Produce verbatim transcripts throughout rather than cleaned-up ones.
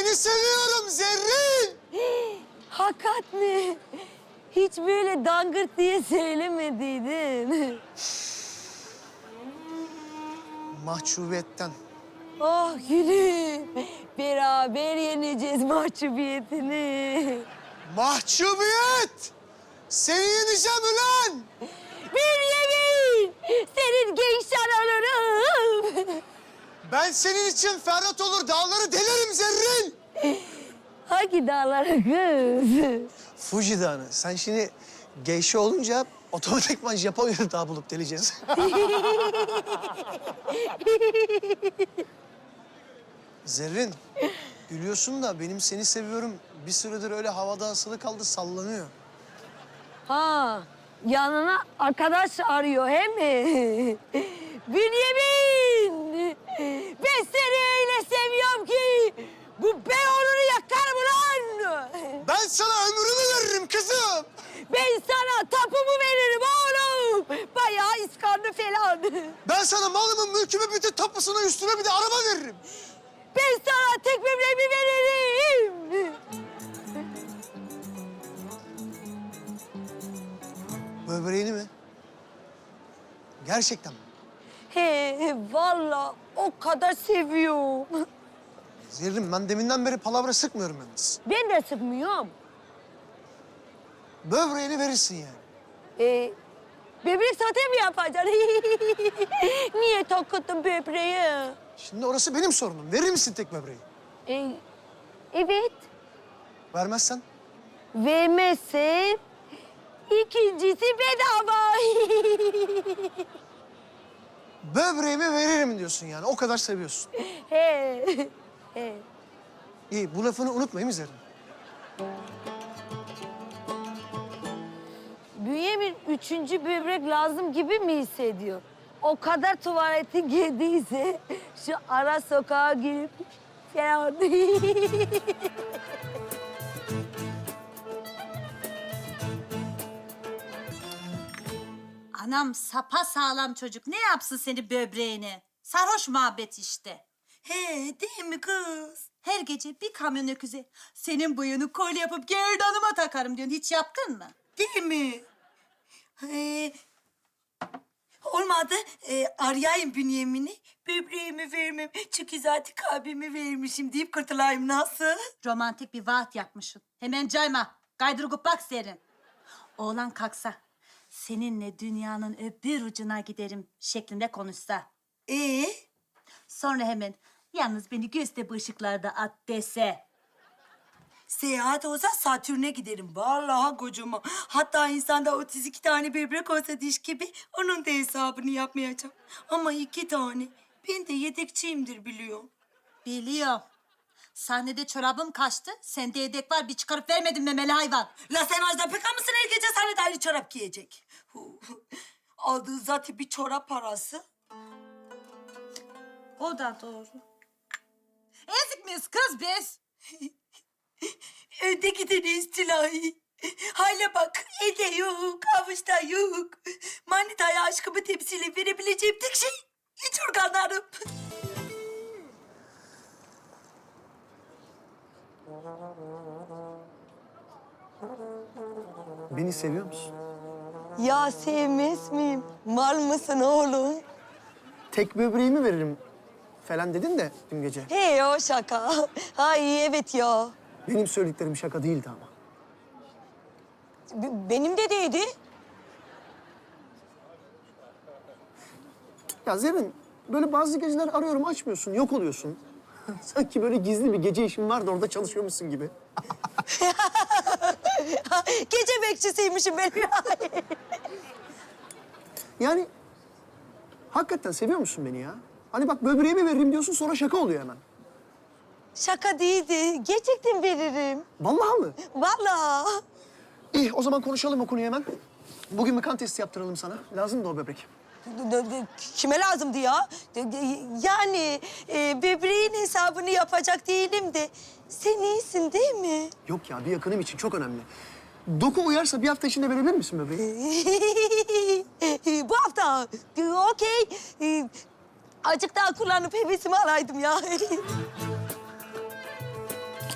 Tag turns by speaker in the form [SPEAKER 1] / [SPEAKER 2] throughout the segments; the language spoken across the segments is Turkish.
[SPEAKER 1] seni seviyorum Zerrin.
[SPEAKER 2] Hakikat mi? Hiç böyle dangırt diye söylemediydin.
[SPEAKER 1] Mahcubiyetten.
[SPEAKER 2] Oh gülüm. Beraber yeneceğiz mahcubiyetini.
[SPEAKER 1] Mahcubiyet! Seni yeneceğim ulan!
[SPEAKER 2] Bir yemin! Senin gençler olurum.
[SPEAKER 1] Ben senin için Ferhat olur dağları delerim Zerrin.
[SPEAKER 2] Hangi dağlara kız?
[SPEAKER 1] Fuji Dağı'nı. Sen şimdi geyşe olunca otomatikman Japonya'da dağ bulup deleceğiz. Zerrin, gülüyorsun da benim seni seviyorum. Bir süredir öyle havada asılı kaldı, sallanıyor.
[SPEAKER 2] Ha, yanına arkadaş arıyor he mi? Bünyamin! Ben seni öyle seviyorum ki bu Beyoğlu'nu yakarım ulan!
[SPEAKER 1] Ben sana ömrümü veririm kızım.
[SPEAKER 2] Ben sana tapumu veririm oğlum! Bayağı iskanlı falan.
[SPEAKER 1] Ben sana malımın, mülkümü, bütün tapusunu üstüne bir de araba veririm.
[SPEAKER 2] Ben sana tek böbreğimi veririm!
[SPEAKER 1] Böbreğini mi? Gerçekten mi?
[SPEAKER 2] He, vallahi o kadar seviyorum.
[SPEAKER 1] Zerrin, ben deminden beri palavra sıkmıyorum yalnız.
[SPEAKER 2] Ben de sıkmıyorum.
[SPEAKER 1] Böbreğini verirsin yani.
[SPEAKER 2] Ee, böbrek sote mi yapacaksın? Niye takıttın böbreği?
[SPEAKER 1] Şimdi orası benim sorunum. Verir misin tek böbreği?
[SPEAKER 2] Ee, evet.
[SPEAKER 1] Vermezsen?
[SPEAKER 2] Vermezsen ikincisi bedava.
[SPEAKER 1] Böbreğimi veririm diyorsun yani. O kadar seviyorsun.
[SPEAKER 2] He. He.
[SPEAKER 1] İyi, bu lafını unutmayayım mi Zerrin?
[SPEAKER 2] Bünyamin üçüncü böbrek lazım gibi mi hissediyor? O kadar tuvaleti girdiyse şu ara sokağa girip falan.
[SPEAKER 3] Anam sapa sağlam çocuk. Ne yapsın seni böbreğini? Sarhoş muhabbet işte.
[SPEAKER 4] He, değil mi kız?
[SPEAKER 3] Her gece bir kamyon öküze senin boyunu kolye yapıp gerdanıma takarım diyorsun. Hiç yaptın mı?
[SPEAKER 4] Değil mi? He, olmadı. E, arayayım Bünyamin'i. Böbreğimi vermem. Çünkü zaten kalbimi vermişim deyip kurtulayım. Nasıl?
[SPEAKER 3] Romantik bir vaat yapmışsın. Hemen cayma. Kaydırıp bak serin. Oğlan kalksa seninle dünyanın öbür ucuna giderim şeklinde konuşsa.
[SPEAKER 4] Ee?
[SPEAKER 3] Sonra hemen yalnız beni göster bu ışıklarda at dese.
[SPEAKER 4] Seyahat olsa Satürn'e giderim. Vallahi kocama. Hatta insanda otuz iki tane böbrek olsa diş gibi onun da hesabını yapmayacağım. Ama iki tane. Ben de yedekçiyimdir biliyorum.
[SPEAKER 3] Biliyorum. Sahnede çorabım kaçtı. Sende yedek var bir çıkarıp vermedin memeli hayvan.
[SPEAKER 4] La sen Ajda Pekkan mısın her gece sahnede aynı çorap giyecek? Aldığı zaten bir çorap parası.
[SPEAKER 3] O da doğru. Ezik miyiz kız biz?
[SPEAKER 4] Önde giden istilayı. Hale bak, elde yok, avuçta yok. Manitaya aşkımı temsil verebileceğim tek şey iç organlarım.
[SPEAKER 1] Beni seviyor musun?
[SPEAKER 2] Ya sevmez miyim? Mal mısın oğlum?
[SPEAKER 1] Tek böbreğimi veririm falan dedin de dün gece.
[SPEAKER 2] He o şaka. Ay evet ya.
[SPEAKER 1] Benim söylediklerim şaka değildi ama.
[SPEAKER 2] B- benim de değildi.
[SPEAKER 1] Ya Zerrin, böyle bazı geceler arıyorum açmıyorsun, yok oluyorsun. Sanki böyle gizli bir gece işin var da orada çalışıyormuşsun gibi.
[SPEAKER 2] Gece bekçisiymişim ben.
[SPEAKER 1] Yani hakikaten seviyor musun beni ya? Hani bak böbreğimi veririm diyorsun sonra şaka oluyor hemen.
[SPEAKER 2] Şaka değildi. Gerçekten veririm.
[SPEAKER 1] Vallahi mı?
[SPEAKER 2] Vallahi.
[SPEAKER 1] İyi o zaman konuşalım o konuyu hemen. Bugün bir kan testi yaptıralım sana. Lazım da o böbrek.
[SPEAKER 2] D- d- d- Kime lazımdı ya? D- d- Yani e, böbreğin hesabını yapacak değilim de sen iyisin değil mi?
[SPEAKER 1] Yok ya bir yakınım için çok önemli. Doku uyarsa bir hafta içinde verebilir misin böbreği?
[SPEAKER 2] Bu hafta e, okey. E, Azıcık daha kullanıp hevesimi alaydım ya.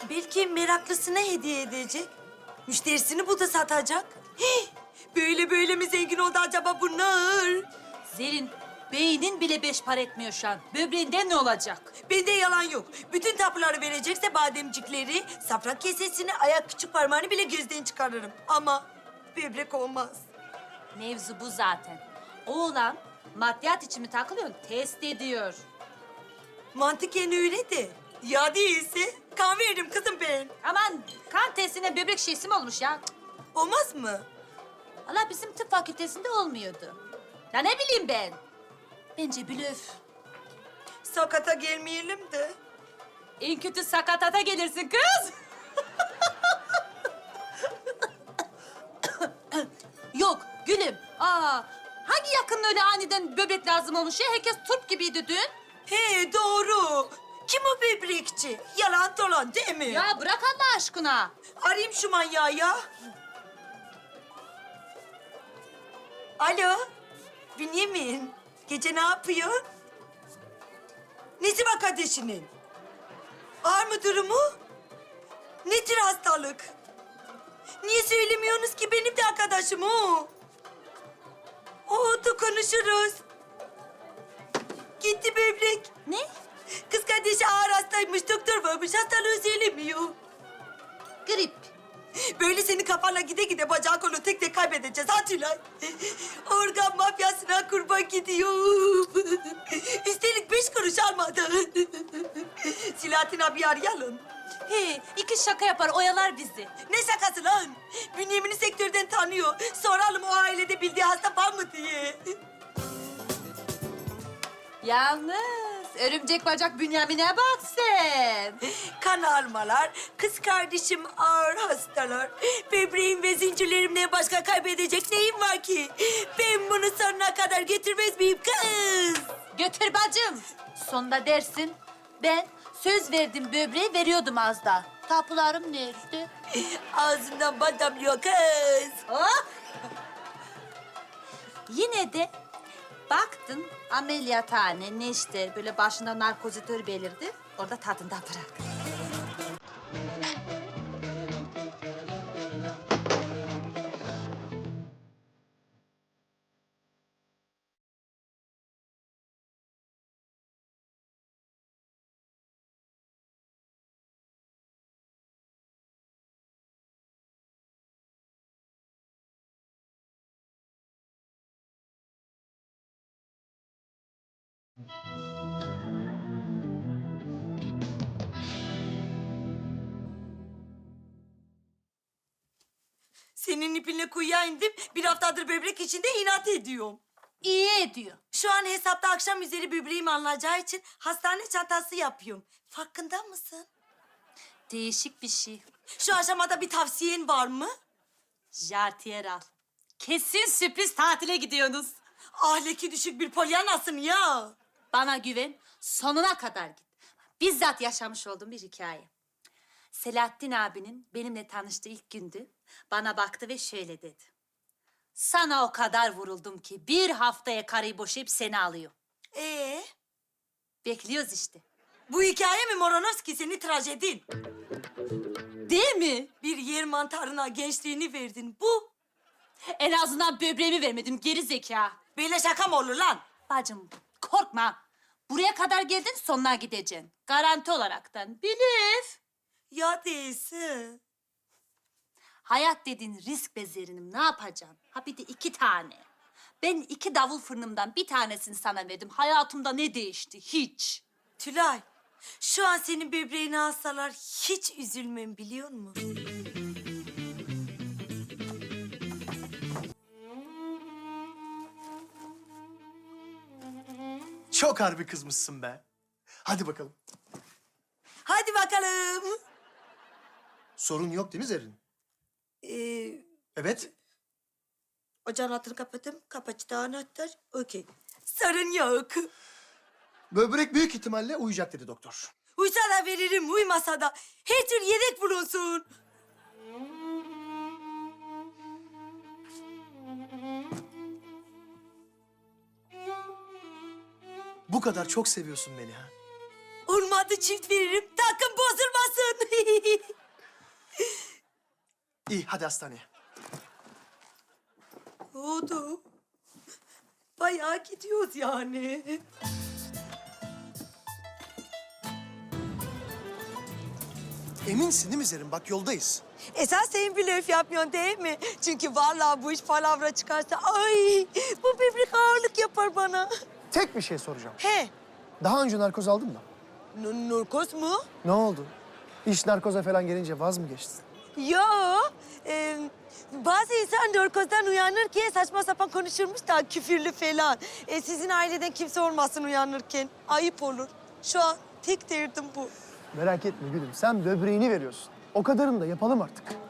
[SPEAKER 4] Belki meraklısına hediye edecek. Müşterisini bu da satacak. Hih! Böyle böyle mi zengin oldu acaba bunlar?
[SPEAKER 3] Zerrin, beynin bile beş para etmiyor şu an. Böbreğinden ne olacak?
[SPEAKER 4] Bende yalan yok. Bütün tapuları verecekse bademcikleri, safran kesesini, ayak küçük parmağını bile gözden çıkarırım. Ama böbrek olmaz.
[SPEAKER 3] Mevzu bu zaten. Oğlan maddiyat için mi takılıyor? Test ediyor.
[SPEAKER 4] Mantıken öyle de. Ya değilse kan veririm kızım ben.
[SPEAKER 3] Aman kan testine böbrek şişesi mi olmuş ya? Cık.
[SPEAKER 4] Olmaz mı?
[SPEAKER 3] Allah bizim tıp fakültesinde olmuyordu. Ya ne bileyim ben? Bence blöf.
[SPEAKER 4] Sakata gelmeyelim de.
[SPEAKER 3] En kötü sakatata gelirsin kız. Yok gülüm. Aa, hangi yakının öyle aniden böbrek lazım olmuş ya? Herkes turp gibiydi dün.
[SPEAKER 4] He doğru. Kim o böbrekçi? Yalan dolan değil mi?
[SPEAKER 3] Ya bırak Allah aşkına.
[SPEAKER 4] Arayayım şu manyağı ya. Alo. Bünyamin. Gece ne yapıyorsun? Nesi var kardeşinin? Ağır mı durumu? Ne tür hastalık? Niye söylemiyorsunuz ki benim de arkadaşım o? Oldu konuşuruz. Gitti böbrek.
[SPEAKER 3] Ne?
[SPEAKER 4] Kız kardeşi ağır hastaymış, doktor varmış, hastalığı söylemiyor.
[SPEAKER 3] Grip.
[SPEAKER 4] Böyle senin kafanla gide gide bacağı kolu tek tek kaybedeceğiz ha Tülay. Organ mafyasına kurban gidiyor. Üstelik beş kuruş almadan. Silahattin abi arayalım.
[SPEAKER 3] He, iki şaka yapar, oyalar bizi.
[SPEAKER 4] Ne şakası lan? Bünyamin'i sektörden tanıyor. Soralım o ailede bildiği hasta var mı diye.
[SPEAKER 3] Yalnız örümcek bacak Bünyamin'e bak sen.
[SPEAKER 4] Kan almalar, kız kardeşim ağır hastalar. Böbreğim ve zincirlerimle başka kaybedecek neyim var ki? Ben bunu sonuna kadar getirmez miyim kız?
[SPEAKER 3] Götür bacım. Sonunda dersin, ben söz verdim böbreği veriyordum az da. Tapularım nerede?
[SPEAKER 4] Ağzından bal damlıyor kız.
[SPEAKER 3] Oh! Yine de baktın ameliyathane ne işte böyle başında narkozitör belirdi. Orada tadından bırak.
[SPEAKER 4] Senin ipinle kuyuya indim. Bir haftadır böbrek içinde inat ediyorum.
[SPEAKER 3] İyi ediyor.
[SPEAKER 4] Şu an hesapta akşam üzeri böbreğim alınacağı için hastane çantası yapıyorum. Farkında mısın?
[SPEAKER 3] Değişik bir şey.
[SPEAKER 4] Şu aşamada bir tavsiyen var mı?
[SPEAKER 3] Jartiyer al. Kesin sürpriz tatile gidiyorsunuz.
[SPEAKER 4] Ahlaki düşük bir polyanasın ya.
[SPEAKER 3] Bana güven, sonuna kadar git. Bizzat yaşamış olduğum bir hikaye. Selahattin abinin benimle tanıştığı ilk gündü. Bana baktı ve şöyle dedi. Sana o kadar vuruldum ki bir haftaya karıyı boşayıp seni alıyor.
[SPEAKER 4] Ee,
[SPEAKER 3] Bekliyoruz işte.
[SPEAKER 4] bu hikaye mi Moronovski seni trajedin?
[SPEAKER 3] Değil mi?
[SPEAKER 4] Bir yer mantarına gençliğini verdin. Bu
[SPEAKER 3] En azından böbreğimi vermedim geri zeka.
[SPEAKER 4] böyle şaka mı olur lan?
[SPEAKER 3] Bacım korkma. Buraya kadar geldin sonuna gideceksin. Garanti olaraktan. Bilif.
[SPEAKER 4] Ya değilsin.
[SPEAKER 3] Hayat dediğin risk be Zerrin'im. Ne yapacaksın? Ha bir de iki tane. Ben iki davul fırınımdan bir tanesini sana verdim. Hayatımda ne değişti? Hiç.
[SPEAKER 4] Tülay, şu an senin böbreğini alsalar hiç üzülmem biliyor musun?
[SPEAKER 1] Çok harbi kızmışsın be. Hadi bakalım.
[SPEAKER 4] Hadi bakalım.
[SPEAKER 1] Sorun yok değil mi Zerrin?
[SPEAKER 4] Ee,
[SPEAKER 1] Evet.
[SPEAKER 4] ocağın altını kapattım. Kapaçta anahtar. Okey. Sorun yok.
[SPEAKER 1] Böbrek büyük ihtimalle uyuyacak dedi doktor.
[SPEAKER 4] Uysa da veririm, uymasa da. Her tür yedek bulunsun.
[SPEAKER 1] Bu kadar çok seviyorsun beni ha.
[SPEAKER 4] Olmadı çift veririm. Takım bozulmasın.
[SPEAKER 1] İyi hadi hastaneye.
[SPEAKER 4] Oldu. Bayağı gidiyoruz yani.
[SPEAKER 1] Eminsin değil mi Zerrin? Bak yoldayız.
[SPEAKER 4] Esas sen blöf yapmıyorsun değil mi? Çünkü vallahi bu iş palavra çıkarsa ay bu böbrek ağırlık yapar bana.
[SPEAKER 1] Tek bir şey soracağım.
[SPEAKER 4] He,
[SPEAKER 1] Daha önce narkoz aldın mı?
[SPEAKER 4] n- narkoz mu?
[SPEAKER 1] Ne oldu? İş narkoza falan gelince vaz mı geçtin?
[SPEAKER 4] Yo, e, bazı insan narkozdan uyanırken saçma sapan konuşurmuş da küfürlü falan. E, sizin aileden kimse olmasın uyanırken. Ayıp olur. Şu an tek derdim bu.
[SPEAKER 1] Merak etme gülüm. Sen böbreğini veriyorsun. O kadarını da yapalım artık.